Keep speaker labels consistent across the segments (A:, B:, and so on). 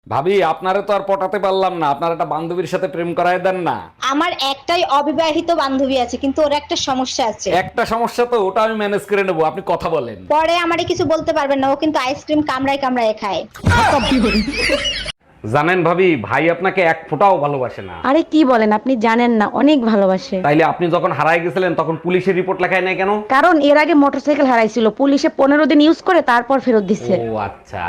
A: ভাবি আপনারে তো আর পটাতে পারলাম না, আপনার একটা বান্ধবীর সাথে প্রেম করায় দেন না।
B: আমার একটাই অবিবাহিত বান্ধবী আছে, কিন্তু ওর একটা সমস্যা আছে।
A: একটা সমস্যা তো, ওটা আমি ম্যানেজ করে নেবো, আপনি কথা বলেন।
B: পরে আমারে কিছু বলতে পারবেন না, ও কিন্তু আইসক্রিম কামড়ায় কামড়ায় খায়।
A: জানেন ভাবি, ভাই আপনাকে এক ফোঁটাও ভালোবাসে না।
C: আরে কি বলেন, আপনি জানেন না, অনেক ভালোবাসে।
A: তাইলে আপনি যখন হারায় গেছিলেন তখন পুলিশের রিপোর্ট লেখায় নাই কেন?
C: কারণ এর আগে মোটরসাইকেল হারাইছিল, পুলিশে 15 দিন ইউজ করে তারপর ফেরত দিচ্ছে।
A: ও আচ্ছা।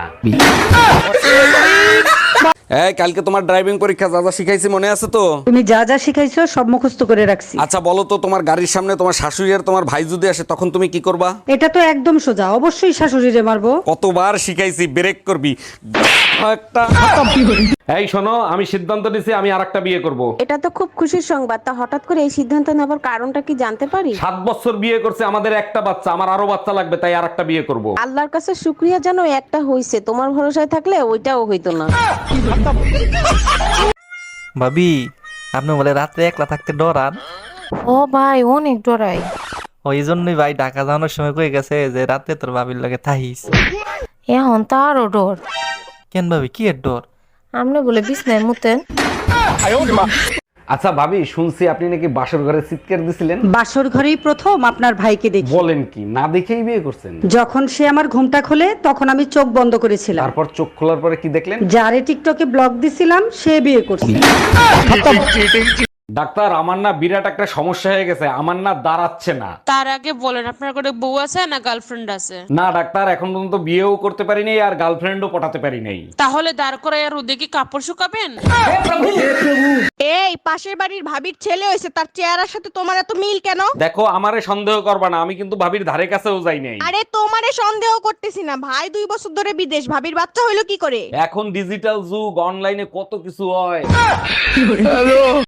A: এই কালকে তোমার ড্রাইভিং পরীক্ষা, যা যা শিখাইছি মনে আছে তো?
D: তুমি যা যা শিখাইছো সব মুখস্থ করে রাখছি।
A: আচ্ছা বলো তো, তোমার গাড়ির সামনে তোমার শাশুড়ি আর তোমার ভাই যদি আসে তখন তুমি কি করবা?
D: এটা তো একদম সোজা, অবশ্যই শাশুড়িরে মারবো।
A: কতবার শিখাইছি, ব্রেক করবি একটা। এই শোনো, আমি সিদ্ধান্ত নিছি আমি আরেকটা বিয়ে করব।
C: এটা তো খুব খুশির সংবাদ, তা হঠাৎ করে এই সিদ্ধান্ত নেবার কারণটা কি জানতে পারি?
A: 7 বছর বিয়ে করছে, আমাদের একটা বাচ্চা, আমার আরো বাচ্চা লাগবে, তাই আরেকটা বিয়ে করব।
C: আল্লাহর কাছে শুকরিয়া জানো একটা হইছে, তোমার ভরসায় থাকলে ওইটাও হইতো না।
E: ভাবি, আপনি বলে রাত্রে একলা থাকতে ডরান?
F: ও ভাই অনেক ডরাই।
E: ওই জন্যই ভাই ঢাকা যাওয়ানোর সময় কয়ে গেছে যে রাতে তোর ভাবির লগে থাহিস।
F: এখন তো আরো ডর।
E: কেন ভাবি, কি এর ডর?
F: আপনি বলে বিছনায় মুতেন।
A: আচ্ছা ভাবি, শুনছি আপনি নাকি বাসর ঘরে চিৎকার দিছিলেন।
D: বাসর ঘরেই প্রথম আপনার ভাইকে দেখি।
A: বলেন কি, না দেখেই বিয়ে করছেন?
D: যখন সে আমার ঘুমটা খোলে তখন আমি চোখ বন্ধ করেছিলাম।
A: তারপর চোখ খোলার পরে কি দেখলেন?
D: যারে টিকটকে ব্লক দিছিলাম সে বিয়ে করছে।
A: ডাক্তার, আমার না বিরাট একটা সমস্যা হয়ে গেছে, আমার না দাঁড়াচ্ছে না।
G: তার আগে বলেন আপনার করে বউ আছে না গার্লফ্রেন্ড আছে?
A: না ডাক্তার, এখন পর্যন্ত বিয়েও করতে পারি নাই আর গার্লফ্রেন্ডও পটাতে পারি নাই।
G: তাহলে দাঁড় করায় আর ওদিকে কাপড় শুকাবেন?
H: এই পাশের বাড়ির ভাবির ছেলে হয়েছে, তার চেহারার সাথে তোমার এত মিল কেন?
A: দেখো, আমারে সন্দেহ করবা না, আমি কিন্তু ভাবির ধারে কাছেও যাই নাই।
H: আরে তোমারে সন্দেহ করতেছি না, ভাই 2 বছর ধরে বিদেশ, ভাবির বাচ্চা হইলো কি করে?
A: এখন ডিজিটাল যুগ, অনলাইনে কত কিছু হয়।